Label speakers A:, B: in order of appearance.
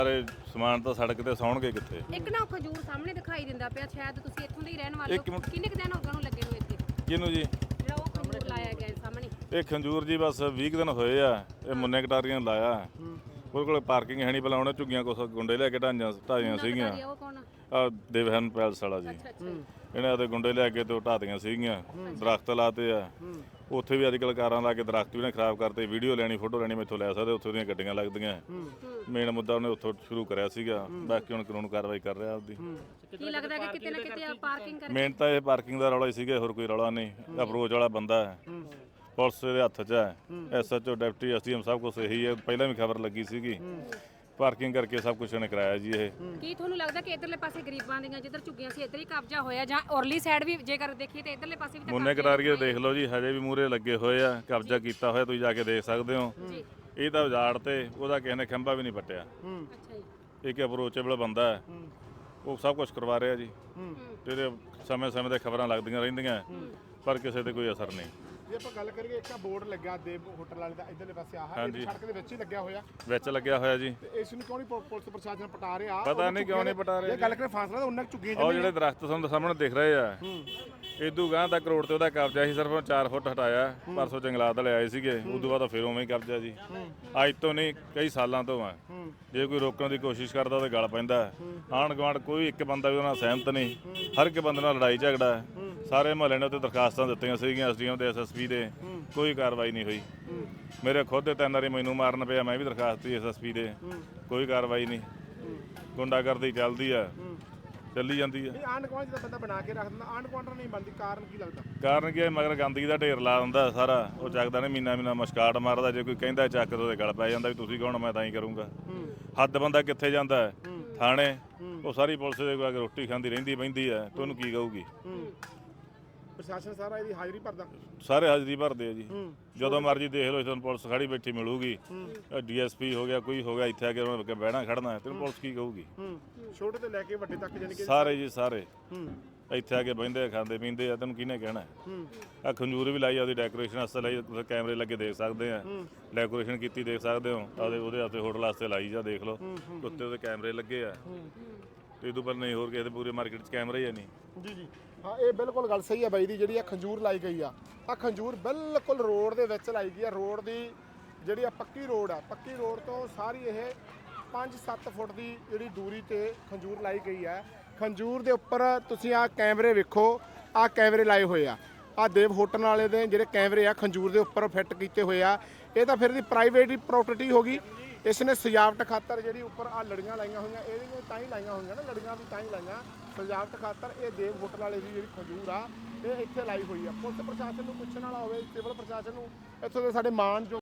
A: ਸਾਰੇ ਸਮਾਨ ਤਾਂ ਸੜਕ ਤੇ ਸੌਣਗੇ ਕਿੱਥੇ।
B: ਇੱਕ ਨਾ ਖਜੂਰ ਸਾਹਮਣੇ ਦਿਖਾਈ ਦਿੰਦਾ ਪਿਆ, ਸ਼ਾਇਦ ਤੁਸੀਂ ਇੱਥੋਂ ਦੇ ਹੀ ਰਹਿਣ ਵਾਲੇ ਹੋ। ਕਿੰਨੇ ਕੁ ਦਿਨ ਹੋ ਗਏ ਉਹਨੂੰ ਲੱਗੇ ਨੂੰ ਇੱਥੇ?
A: ਕਿਹਨੂੰ ਜੀ?
B: ਜਿਹੜਾ ਉਹ ਖਜੂਰ ਲਾਇਆ ਗਿਆ ਸਾਹਮਣੇ।
A: ਇਹ ਖੰਜੂਰ ਜੀ ਬਸ 20 ਦਿਨ ਹੋਏ ਆ। ਇਹ ਮੁੰਨੇ ਕਟਾਰੀਆਂ ਲਾਇਆ। ਉਹਦੇ ਕੋਲ ਪਾਰਕਿੰਗ ਹੈ ਨਹੀਂ, ਪਹਿਲਾਂ ਉਹਨੇ ਝੁੱਗੀਆਂ ਕੁਛ ਗੁੰਡੇ ਲੈ ਕੇ ਢਾਈਆਂ ਸੀਗੀਆਂ।
B: ਉਹ ਕੌਣ?
A: ਆ ਦੇਵਹਨ ਪੈਲਸ ਵਾਲਾ ਜੀ, ਇਹਨੇ ਆਦੇ ਗੁੰਡੇ ਲੈ ਕੇ ਤੇ ਉਹ ਢਾਦੀਆਂ ਸੀਗੀਆਂ, ਦਰਖਤ ਲਾਤੇ ਆ ਉੱਥੇ ਵੀ। ਅੱਜ ਕੱਲ੍ਹ ਕਾਰਾਂ ਲਾ ਕੇ ਦਰਖਤ ਵੀ ਨੇ ਖਰਾਬ ਕਰਤੇ। ਵੀਡੀਓ ਲੈਣੀ, ਫੋਟੋ ਲੈਣੀ ਮੈਥੋਂ ਲੈ ਸਕਦੇ, ਉੱਥੇ ਦੀਆਂ ਗੱਡੀਆਂ ਲੱਗਦੀਆਂ। ਮੇਨ ਮੁੱਦਾ ਉਹਨੇ ਉੱਥੋਂ ਸ਼ੁਰੂ ਕਰਿਆ ਸੀਗਾ, ਬਾਕੀ ਹੁਣ ਕਾਨੂੰਨ ਕਾਰਵਾਈ ਕਰ ਰਿਹਾ ਆਪਦੀ।
B: ਕੀ ਲੱਗਦਾ ਕਿ ਕਿਤੇ ਨਾ ਕਿਤੇ ਪਾਰਕਿੰਗ ਕਰਕੇ?
A: ਮੇਨ ਤਾਂ ਇਹ ਪਾਰਕਿੰਗ ਦਾ ਰੌਲਾ ਹੀ ਸੀਗਾ, ਹੋਰ ਕੋਈ ਰੌਲਾ ਨਹੀਂ। ਅਪਰੋਚ ਵਾਲਾ ਬੰਦਾ ਹੈ, ਪੁਲਿਸ ਦੇ ਹੱਥ 'ਚ ਹੈ। SHO ਡਿਪਟੀ SDM ਸਭ ਕੁਛ ਇਹੀ ਹੈ। ਪਹਿਲਾਂ ਵੀ ਖਬਰ ਲੱਗੀ ਸੀਗੀ, ਪਾਰਕਿੰਗ ਕਰਕੇ ਸਭ ਕੁਝ ਇਹਨੇ ਕਰਾਇਆ ਜੀ। ਇਹ
B: ਕੀ ਤੁਹਾਨੂੰ ਲੱਗਦਾ ਕਿ ਇਧਰਲੇ ਪਾਸੇ ਗਰੀਬਾਂ ਦੀਆਂ ਜਿੱਧਰ ਝੁੱਗੀਆਂ ਸੀ ਇੱਧਰ ਹੀ ਕਬਜ਼ਾ ਹੋਇਆ, ਜਾਂ ਔਰਲੀ ਸਾਈਡ ਵੀ ਜੇਕਰ ਦੇਖੀਏ ਤੇ ਇਧਰਲੇ ਪਾਸੇ ਵੀ ਤਾਂ
A: ਮੁੰਨੇ ਕਟਾਰੀਏ ਦੇਖ ਲਓ ਜੀ, ਹਜੇ ਵੀ ਮੂਹਰੇ ਲੱਗੇ ਹੋਏ ਆ, ਕਬਜ਼ਾ ਕੀਤਾ ਹੋਇਆ, ਤੁਸੀਂ ਜਾ ਕੇ ਦੇਖ ਸਕਦੇ ਹੋ। ਇਹ ਤਾਂ ਉਜਾੜ ਤੇ ਉਹਦਾ ਕਿਸੇ ਨੇ ਖੰਭਾ ਵੀ ਨਹੀਂ ਪੱਟਿਆ।
B: ਅੱਛਾ ਜੀ।
A: ਇੱਕ ਅਪਰੋਚੇਬਲ ਬੰਦਾ ਹੈ, ਉਹ ਸਭ ਕੁਝ ਕਰਵਾ ਰਿਹਾ ਜੀ। ਤੇ ਇਹਦੇ ਸਮੇਂ-ਸਮੇਂ ਤੇ ਖਬਰਾਂ ਲੱਗਦੀਆਂ ਰਹਿੰਦੀਆਂ, ਪਰ ਕਿਸੇ ਤੇ ਕੋਈ ਅਸਰ ਨਹੀਂ।
C: ਜੇ ਆਪਾਂ ਗੱਲ ਕਰੀਏ, ਇੱਕ ਬੋਰਡ ਲੱਗਾ ਦੇਵ ਹੋਟਲ ਵਾਲੇ ਦਾ ਇਧਰਲੇ ਪਾਸੇ, ਆਹ ਸੜਕ ਦੇ ਵਿੱਚ ਹੀ ਲੱਗਿਆ ਹੋਇਆ।
A: ਵਿੱਚ ਲੱਗਿਆ ਹੋਇਆ ਜੀ।
C: ਤੇ ਇਸ ਨੂੰ ਕਿਉਂ ਨਹੀਂ ਪੁਲਿਸ ਪ੍ਰਸ਼ਾਸਨ ਪਟਾ ਰਿਹਾ?
A: ਪਤਾ ਨਹੀਂ ਕਿਉਂ ਨਹੀਂ ਪਟਾ ਰਿਹਾ।
C: ਇਹ ਗੱਲ ਕਰੇ ਫਾਸਲਾ ਤਾਂ ਉਹਨਾਂ ਝੁੱਗੀਆਂ
A: ਉਹ ਜਿਹੜੇ ਦਰਖਤ ਤੁਹਾਨੂੰ ਸਾਹਮਣੇ ਦਿਖ ਰਹੇ ਆ, ਇਦੋਂ ਗਾਂ ਤੱਕ ਰੋਡ ਤੇ ਉਹਦਾ ਕਬਜ਼ਾ ਸੀ, ਸਿਰਫ 4 ਫੁੱਟ ਹਟਾਇਆ। ਪਰਸੋਂ ਜੰਗਲਾਤ ਵਾਲੇ ਆਏ ਸੀਗੇ, ਉਦੋਂ ਬਾਅਦ ਫਿਰ ਉਵੇਂ ਹੀ ਕਬਜ਼ਾ ਜੀ। ਅੱਜ ਤੋਂ ਨਹੀਂ, ਕਈ ਸਾਲਾਂ ਤੋਂ ਆ। ਜੇ ਕੋਈ ਰੋਕਣ ਦੀ ਕੋਸ਼ਿਸ਼ ਕਰਦਾ ਤਾਂ ਗਲ ਪੈਂਦਾ। ਆਂਢ ਗੁਆਂਢ ਕੋਈ ਇੱਕ ਬੰਦਾ ਵੀ ਉਹਨਾਂ ਨਾਲ ਸਹਿਮਤ ਨਹੀਂ, ਹਰ ਇੱਕ ਬੰਦੇ ਨਾਲ ਲੜਾਈ ਝਗੜਾ। ਸਾਰੇ ਮੁਹੱਲੇ ਨੇ ਉੱਤੇ ਦਰਖਾਸਤਾਂ ਦਿੱਤੀਆਂ ਸੀਗੀਆਂ, SDM ਦੇ SSP ਦੇ, ਕੋਈ ਕਾਰਵਾਈ ਨਹੀਂ ਹੋਈ। ਮੇਰੇ ਖੁਦ ਦੇ 3 ਵਾਰੀ ਮੈਨੂੰ ਮਾਰਨ ਪਿਆ, ਮੈਂ ਵੀ ਦਰਖਾਸਤ ਦਿੱਤੀ SSP ਦੇ, ਕੋਈ ਕਾਰਵਾਈ ਨਹੀਂ। ਗੁੰਡਾਗਰਦੀ ਚੱਲਦੀ ਆ, ਚੱਲੀ ਜਾਂਦੀ ਆ।
C: ਆਂਢ ਗੁਆਂਢ ਦਾ ਬੰਦਾ ਬਣਾ ਕੇ ਰੱਖ ਦਿੰਦਾ, ਆਂਢ ਗੁਆਂਢ ਨਹੀਂ ਬਣਦੀ। ਕਾਰਨ ਕੀ ਲੱਗਦਾ?
A: ਕਾਰਨ ਕੀ ਹੈ? ਮਗਰ ਗੰਦਗੀ ਦਾ ਢੇਰ ਲਾ ਦਿੰਦਾ ਸਾਰਾ, ਉਹ ਚੱਕਦਾ ਨਹੀਂ। ਮਹੀਨਾ ਮਸਕਾਟ ਮਾਰਦਾ, ਜੇ ਕੋਈ ਕਹਿੰਦਾ ਚੱਕ ਤੇ ਉਹਦੇ ਗਲ ਪੈ ਜਾਂਦਾ ਵੀ ਤੁਸੀਂ ਕੌਣ, ਮੈਂ ਤਾਂ ਹੀ ਕਰੂੰਗਾ। ਹੱਦ ਬੰਦਾ ਕਿੱਥੇ ਜਾਂਦਾ ਹੈ? ਥਾਣੇ। ਉਹ ਸਾਰੀ ਪੁਲਿਸ ਦੇ ਕੋਲ ਰੋਟੀ ਖਾਂਦੀ ਰਹਿੰਦੀ ਬਹਿੰਦੀ ਹੈ, ਤੇ ਉਹਨੂੰ ਕੀ ਕਹੂਗੀ?
C: ਪ੍ਰਸ਼ਾਸਨ ਸਾਰਾ ਇਹਦੀ ਹਾਜ਼ਰੀ ਭਰਦਾ,
A: ਸਾਰੇ ਹਾਜ਼ਰੀ ਭਰਦੇ ਆ ਜੀ। ਜਦੋਂ ਮਰਜ਼ੀ ਦੇਖ ਲਓ, ਤੁਹਾਨੂੰ ਪੁਲਿਸ ਖੜੀ ਬੈਠੀ ਮਿਲੂਗੀ। DSP ਹੋ ਗਿਆ, ਕੋਈ ਹੋ ਗਿਆ, ਇੱਥੇ ਆ ਕੇ ਉਹਨਾਂ ਨੇ ਬਹਿਣਾ ਖੜਨਾ, ਤੈਨੂੰ ਪੁਲਿਸ ਕੀ ਕਹੂਗੀ?
C: ਛੋਟੇ ਤੋਂ ਲੈ ਕੇ ਵੱਡੇ ਤੱਕ, ਜਾਨੀ ਕਿ
A: ਸਾਰੇ ਜੀ ਸਾਰੇ ਇੱਥੇ ਆ ਕੇ ਬਹਿੰਦੇ ਆ, ਖਾਂਦੇ ਪੀਂਦੇ ਆ, ਤੈਨੂੰ ਕਿਹਨੇ ਕਹਿਣਾ? ਆ ਖੰਜੂਰ ਵੀ ਲਾਈ, ਉਹਦੀ ਡੈਕੋਰੇਸ਼ਨ ਵਾਸਤੇ ਲਾਈ, ਤੁਸੀਂ ਕੈਮਰੇ ਲੱਗੇ ਦੇਖ ਸਕਦੇ ਆ। ਡੈਕੋਰੇਸ਼ਨ ਕੀਤੀ ਦੇਖ ਸਕਦੇ ਹੋ, ਉਹਦੇ ਵਾਸਤੇ ਹੋਟਲ ਵਾਸਤੇ ਲਾਈ ਜਾ, ਦੇਖ ਲਓ ਉੱਤੇ ਉਹਦੇ ਕੈਮਰੇ ਲੱਗੇ ਆ। ਤੇ ਇਹ ਤੋਂ ਪਹਿਲਾਂ ਨਹੀਂ, ਹੋਰ ਕਿਸੇ ਦੇ ਪੂਰੇ ਮਾਰਕੀਟ 'ਚ ਕੈਮਰੇ ਹੀ ਨਹੀਂ।
C: ਜੀ। ਹਾਂ, ਇਹ ਬਿਲਕੁਲ ਗੱਲ ਸਹੀ ਹੈ ਬਾਈ ਦੀ। ਜਿਹੜੀ ਆ ਖੰਜੂਰ ਲਾਈ ਗਈ ਆ, ਆ ਖੰਜੂਰ ਬਿਲਕੁਲ ਰੋਡ ਦੇ ਵਿੱਚ ਲਾਈ ਗਈ ਆ। ਰੋਡ ਦੀ ਜਿਹੜੀ ਆ ਪੱਕੀ ਰੋਡ ਆ, ਪੱਕੀ ਰੋਡ ਤੋਂ ਸਾਰੀ ਇਹ 5-7 ਫੁੱਟ ਦੀ ਜਿਹੜੀ ਦੂਰੀ ਤੇ ਖੰਜੂਰ ਲਾਈ ਗਈ ਹੈ। ਖੰਜੂਰ ਦੇ ਉੱਪਰ ਤੁਸੀਂ ਆ ਕੈਮਰੇ ਵੇਖੋ, ਆ ਕੈਮਰੇ ਲਾਏ ਹੋਏ ਆ। ਆ ਦੇਵ ਹੋਟਲ ਵਾਲੇ ਦੇ ਜਿਹੜੇ ਕੈਮਰੇ ਆ ਖੰਜੂਰ ਦੇ ਉੱਪਰ ਫਿੱਟ ਕੀਤੇ ਹੋਏ ਆ। ਇਹ ਤਾਂ ਫਿਰ ਦੀ ਪ੍ਰਾਈਵੇਟ ਪ੍ਰੋਪਰਟੀ ਹੋ ਗਈ। ਇਸ ਨੇ ਸਜਾਵਟ ਖਾਤਰ ਜਿਹੜੀ ਉੱਪਰ ਆ ਲੜੀਆਂ ਲਾਈਆਂ ਹੋਈਆਂ, ਇਹਦੀਆਂ ਤਾਂ ਹੀ ਲਾਈਆਂ ਹੋਈਆਂ ਨਾ, ਲੜੀਆਂ ਵੀ ਤਾਂ ਹੀ ਲਾਈਆਂ ਸਜਾਵਟ ਖਾਤਰ। ਇਹ ਦੇਵ ਹੋਟਲ ਵਾਲੇ ਦੀ ਜਿਹੜੀ ਖੰਜੂਰ ਆ, ਇਹ ਇੱਥੇ ਲਾਈ ਹੋਈ ਆ। ਪੁਲਿਸ ਪ੍ਰਸ਼ਾਸਨ ਨੂੰ ਪੁੱਛਣ ਵਾਲਾ ਹੋਵੇ, ਸਿਵਲ ਪ੍ਰਸ਼ਾਸਨ ਨੂੰ, ਇੱਥੋਂ ਦੇ ਸਾਡੇ ਮਾਨ ਜੋ